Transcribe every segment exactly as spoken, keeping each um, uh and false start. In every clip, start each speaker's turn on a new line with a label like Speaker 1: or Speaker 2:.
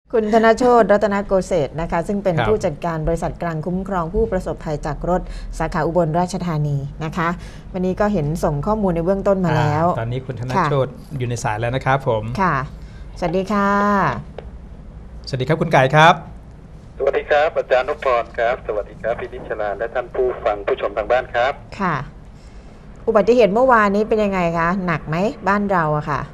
Speaker 1: คุณธนโชติรัตนโกเศษนะคะซึ่งเป็นผู้จัดการบริษัทกลางคุ้มครองผู้ประสบภัยจากรถสาขาอุบลราชธานีนะคะวันนี้ก็เห็นส่งข้อมูลในเบื้องต้นมาแล้ว
Speaker 2: ตอนนี้คุณธนโชติอยู่ในสายแล้วนะครับผม
Speaker 1: ค่ะสวัสดีค่ะ
Speaker 2: สวัสดีครับคุณไก่ครับ
Speaker 3: สวัสดีครับอาจารย์นพพรครับสวัสดีครับพี่นิชลาและท่านผู้ฟังผู้ชมทางบ้านครับ
Speaker 1: ค่ะอุบัติเหตุเมื่อวานนี้เป็นยังไงคะหนักไหมบ้านเราอะค่ะ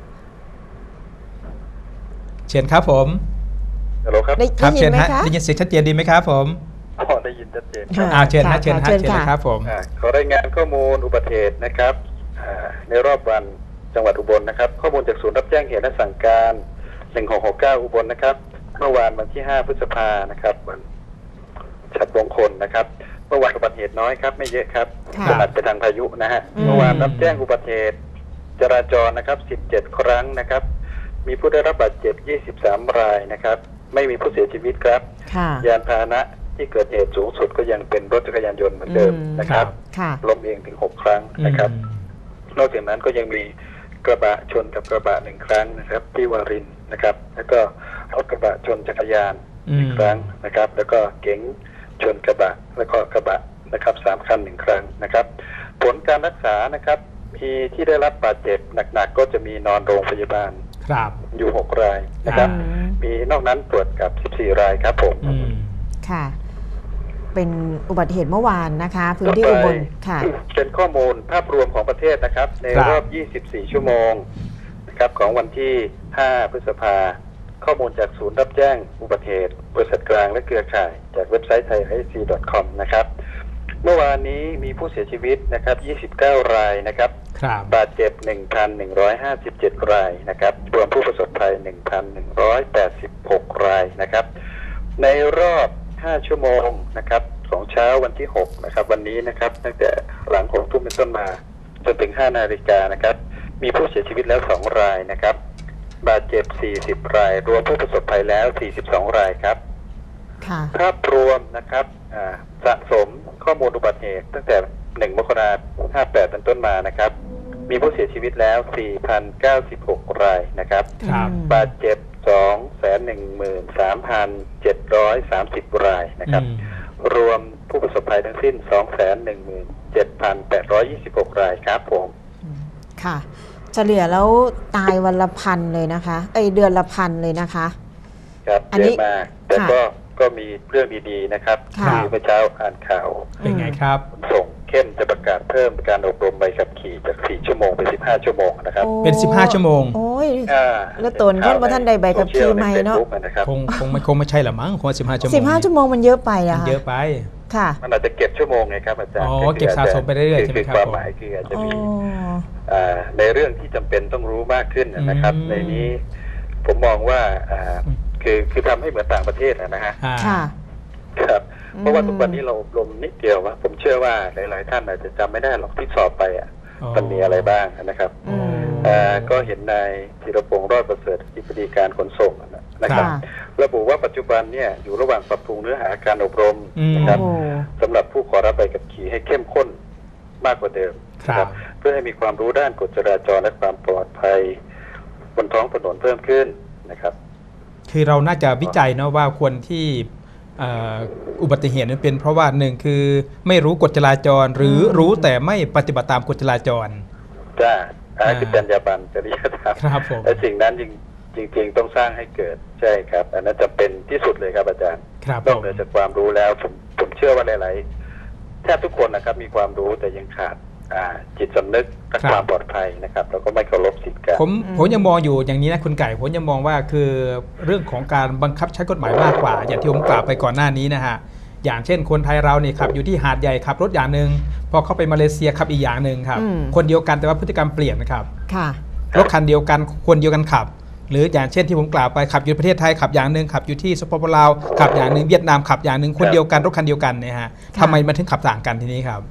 Speaker 2: เชิญครับผม
Speaker 3: ฮัลโหลครับ
Speaker 1: ได้ยินไหมคะ
Speaker 2: ได้ยินเสียงชัดเจนดีไหมครับผม
Speaker 3: อ๋อได้ยินชัดเจน
Speaker 2: อ่าเชิญฮะเชิญฮะเชิญครับผม
Speaker 3: ขอรายงานข้อมูลอุบัติเหตุนะครับในรอบวันจังหวัดอุบลนะครับข้อมูลจากศูนย์รับแจ้งเหตุและสั่งการหนึ่งหกหกเก้าอุบลนะครับเมื่อวานวันที่ห้าพฤษภานะครับวันฉัตรมงคลนะครับเมื่อวานอุบัติเหตุน้อยครับไม่เยอะครับขนาดไปทางพายุนะฮะเมื่อวานรับแจ้งอุบัติเหตุจราจรนะครับสิบเจ็ดครั้งนะครับมีผู้ได้รับบาดเจ็บยี่สิบสามรายนะครับไม่มีผู้เสียชีวิตครับยานพาหนะที่เกิดเหตุสูงสุดก็ยังเป็นรถจักรยานยนต์เหมือนเดิมนะครับล้มเองถึงหกครั้งนะครับนอกจากนั้นก็ยังมีกระบะชนกับกระบะหนึ่งครั้งนะครับที่วารินนะครับแล้วก็รถกระบะชนจักรยานหนึ่งครั้งนะครับแล้วก็เก๋งชนกระบะแล้วก็กระบะนะครับสามคันหนึ่งครั้งนะครับผลการรักษานะครับมีที่ได้รับบาดเจ็บหนักๆก็จะมีนอนโรงพยาบาลอยู่หกรายนะครับมีนอกนั้นตรวจกับสิบสี่รายครับผม
Speaker 1: ค่ะเป็นอุบัติเหตุเมื่อวานนะคะพื้นที่อุบลค่ะ
Speaker 3: เป็นข้อมูลภาพรวมของประเทศนะครับในรอบยี่สิบสี่ชั่วโมงนะครับของวันที่ห้าพฤษภาข้อมูลจากศูนย์รับแจ้งอุบัติเหตุบริษัทกลางและเครือข่ายจากเว็บไซต์ไทย ไอ ซี ดอท คอม นะครับเมื่อวานนี้มีผู้เสียชีวิตนะครับยี่สิบเก้ารายนะครับบาดเจ็บ หนึ่งพันหนึ่งร้อยห้าสิบเจ็ด รายนะครับรวมผู้ประสบภัย หนึ่งพันหนึ่งร้อยแปดสิบหก รายนะครับในรอบห้าชั่วโมงนะครับของเช้าวันที่หกนะครับวันนี้นะครับตั้งแต่หลังของทุ่มเป็นต้นมาจนถึงห้านาฬิกานะครับมีผู้เสียชีวิตแล้วสองรายนะครับบาดเจ็บสี่สิบรายรวมผู้ประสบภัยแล้วสี่สิบสองรายครับภาพรวมนะครับสะสมข้อมูลอุบัติเหตุตั้งแต่หนึ่งมกราคมห้าแปดเป็นต้นมานะครับมีผู้เสียชีวิตแล้ว สี่พันเก้าสิบหก รายนะครับบาดเจ็บ สองแสนหนึ่งหมื่นสามพันเจ็ดร้อยสามสิบ รายนะครับรวมผู้ประสบภัยทั้งสิ้น สองแสนหนึ่งหมื่นเจ็ดพันแปดร้อยยี่สิบหก รายครับผม
Speaker 1: ค่ะเฉลี่ยแล้วตายวันละพันเลยนะคะเอ้ยเดือนละพันเลยนะคะ
Speaker 3: ครับเยอะมากแต่ก็ก็มีเรื่องดีๆนะครับที่เมื่อเช้าอ่านข่าว
Speaker 2: เป็นไงครับ
Speaker 3: ส่งเข้มจะประกาศเพิ่มการอบรมใบขับขี่จากสี่ชั่วโมงเป็นสิบห้าชั่วโมงนะครับ
Speaker 2: เป็นสิบห้าชั่วโมง
Speaker 1: โอ้ยแล้วตนท่านว่าท่านใดใบขับขี่ใหม่เนาะ
Speaker 2: คงคงไม่คงไม่ใช่หรอมั้งคงสิบห้าชั่วโมง
Speaker 1: สิบห้าชั่วโมงมันเยอะไปอะ
Speaker 2: เยอะไป
Speaker 1: ค่ะ
Speaker 3: มันอาจจะเก็บชั่วโมงไงครับอาจารย์
Speaker 2: อ๋อเก็บสะสมไปเรื่อยๆใช่ไหมครับ
Speaker 3: ความหมายคืออาจจะมีในเรื่องที่จำเป็นต้องรู้มากขึ้นนะครับในนี้ผมมองว่าคือคือทำให้เหมือนต่างประเทศนะฮะครับเพราะว่าทุกวันนี้เราอบรมนิดเดียวว่าผมเชื่อว่าหลายๆท่านอาจจะจำไม่ได้หรอกที่สอบไปอ่ะมันมีอะไรบ้างนะครับก็เห็นนายธีรพงษ์รอดประเสริฐอธิบดีการขนส่งนะครับระบุว่าปัจจุบันเนี่ยอยู่ระหว่างปรับปรุงเนื้อหาการอบรมนะครับสำหรับผู้ขอรับใบขับขี่ให้เข้มข้นมากกว่าเดิมนะครับเพื่อให้มีความรู้ด้านกฎจราจรและความปลอดภัยบนท้องถนนเพิ่มขึ้นนะครับ
Speaker 2: คือเราน่าจะวิจัยเนาะว่าควรที่อุบัติเหตุนั้นเป็นเพราะว่าหนึ่งคือไม่รู้กฎจราจรหรือรู้แต่ไม่ปฏิบัติตามกฎจราจร
Speaker 3: จ้าอันนั้นคือจรรยาบรรณจริยธรรมและสิ่งนั้นจริงจริงต้องสร้างให้เกิดใช่ครับอันนั้นจะเป็นที่สุดเลยครับอาจารย์นอกเหนือจากความรู้แล้วผมผมเชื่อว่าหลายๆแทบทุกคนนะครับมีความรู้แต่ยังขาดจิตสำนึกและความปลอดภัยนะครับแล้วก็ไม่เคารพสิทธิกัน
Speaker 2: ผมผมยังมองอยู่อย่างนี้นะคุณไก่ผมยังมองว่าคือเรื่องของการบังคับใช้กฎหมายมากกว่าอย่างที่ผมกล่าวไปก่อนหน้านี้นะฮะอย่างเช่นคนไทยเราเนี่ยขับอยู่ที่หาดใหญ่ขับรถอย่างหนึ่งพอเข้าไปมาเลเซียขับอีกอย่างหนึ่งครับคนเดียวกันแต่ว่าพฤติกรรมเปลี่ยนนะครับรถคันเดียวกันคนเดียวกันขับหรืออย่างเช่นที่ผมกล่าวไปขับอยู่ประเทศไทยขับอย่างหนึ่งขับอยู่ที่สปปลาวขับอย่างหนึ่งเวียดนามขับอย่างหนึ่งคนเดียวกันรถคันเดียวกันเนี่ยฮะทำไมมันถึงขับต่างกันทีนี้ครับ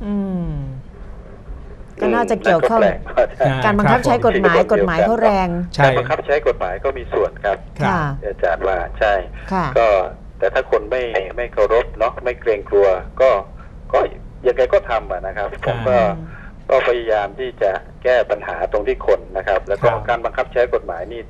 Speaker 1: ก็น่าจะเกี่ยวข้องการบังคับใช้กฎหมายกฎหมายเขาแรง
Speaker 3: การบังคับใช้กฎหมายก็มีส่วนครับอาจารย์ว่าใช่ก็แต่ถ้าคนไม่ไม่เคารพเนาะไม่เกรงกลัวก็ก็ยังไงก็ทำนะครับผมก็ก็พยายามที่จะแก้ปัญหาตรงที่คนนะครับแล้วก็การบังคับใช้กฎหมายนี่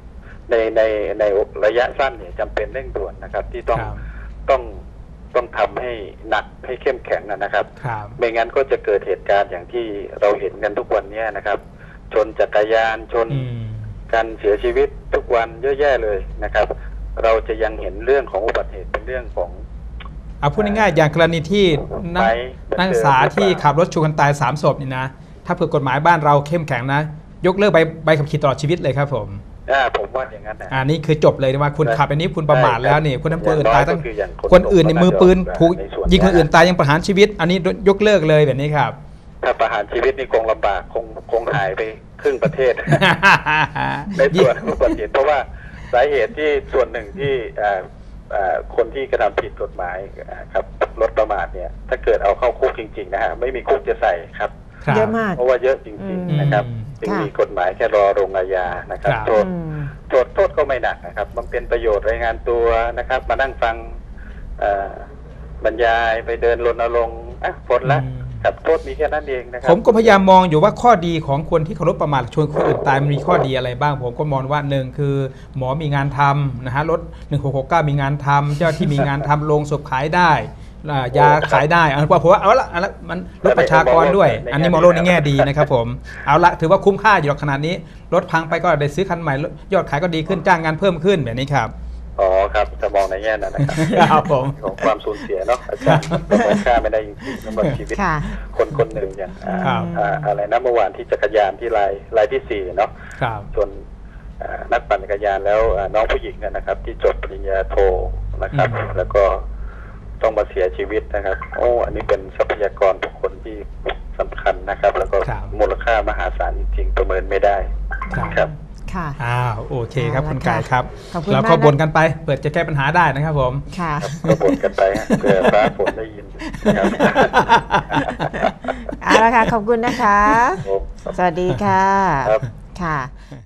Speaker 3: ในในในระยะสั้นเนี่ยจำเป็นเร่งด่วนนะครับ ที่ต้องต้องต้องทำให้หนักให้เข้มแข็งนะครับ ไม่งั้นก็จะเกิดเหตุการณ์อย่างที่เราเห็นกันทุกวันนี้นะครับ ชนจักรยานชนการเสียชีวิตทุกวันเยอะแยะเลยนะครับ เราจะยังเห็นเรื่องของอุบัติเหตุเป็นเรื่องของ
Speaker 2: เอาพูดง่ายๆอย่างกรณีที่นักศึกษาที่ขับรถชนกันตายสามศพนี่นะถ้าเผื่อกฎหมายบ้านเราเข้มแข็งนะยกเลิกใบใบขับขี่ตลอดชีวิตเลยครับผม
Speaker 3: อ่าผมว่าอย่างนั้นนะ
Speaker 2: อ่านี่คือจบเลยว่าคุณขับอันนี้คุณประมาทแล้วนี่คุณทำคนอื่นตายตั้งคนอื่นในมือปืนผูกยิงคนอื่นตายยังประหารชีวิตอันนี้ยกเลิกเลยแบบนี้ครับ
Speaker 3: ถ้าประหารชีวิตนี่คงลำบากคงคงหายไปครึ่งประเทศในส่วนอุบัติเหตุเพราะว่าสาเหตุที่ส่วนหนึ่งที่คนที่กระทำผิดกฎหมายครับรถประมาทเนี่ยถ้าเกิดเอาเข้าคุกจริงๆนะฮะไม่มีคุกจะใส่ครับ
Speaker 1: เยอะมาก
Speaker 3: เพราะว่าเยอะจริงๆนะครับจึงมีกฎหมายแค่รอลงอาญานะครับโทษโทษโทษก็ไม่หนักนะครับมันเป็นประโยชน์รายงานตัวนะครับมานั่งฟังบรรยายไปเดินรณรงค์อ่ะพ้นละครับโทษมีแค่นั้นเองนะครับ
Speaker 2: ผมก็พยายามมองอยู่ว่าข้อดีของคนที่ขับรถประมาทชนคนอื่นตายมันมีข้อดีอะไรบ้างผมก็มองว่าหนึ่งคือหมอมีงานทำนะฮะรถหนึ่งหกหกเก้ามีงานทำเจ้าที่มีงานทำโรงศพขายได้ยาขายได้เอาเพราะว่าเอาละมันลดประชากรด้วยอันนี้มองโลกในแง่ดีนะครับผมเอาละถือว่าคุ้มค่าอยู่ขนาดนี้รถพังไปก็ได้ซื้อคันใหม่ยอดขายก็ดีขึ้นจ้างงานเพิ่มขึ้นแบบนี้ครับ
Speaker 3: อ๋อครับจะมองในแง่นั้นนะครับ
Speaker 2: ครับผม
Speaker 3: ของความสูญเสียเนาะอาจารย์ประค่าไม่ได้จริงๆสำหรับชีวิตคนคนหนึ่งอย่างอะไรนะเมื่อวานที่จักรยานที่รายรายที่สี่เนาะจนนักปั่นจักรยานแล้วน้องผู้หญิงนะครับที่จบปริญญาโทนะครับแล้วก็ต้องมาเสียชีวิตนะครับโอ้อันนี้เป็นทรัพยากรบุคคลที่สำคัญนะครับแล้วก็มูลค่ามหาศาลจริงๆประเมินไม่ได้ครับ
Speaker 1: ค่ะ
Speaker 2: อ้าวโอเคครับคุณกายครับเราก็บ่นกันไปเปิดจะแก้ปัญหาได้นะครับผม
Speaker 1: ค่ะ
Speaker 3: ก็บ่นกันไปเพื่อฟ้าฝนได้ยินครับ
Speaker 1: เอาละค่ะขอบคุณนะคะสวัสดีค่ะค่ะ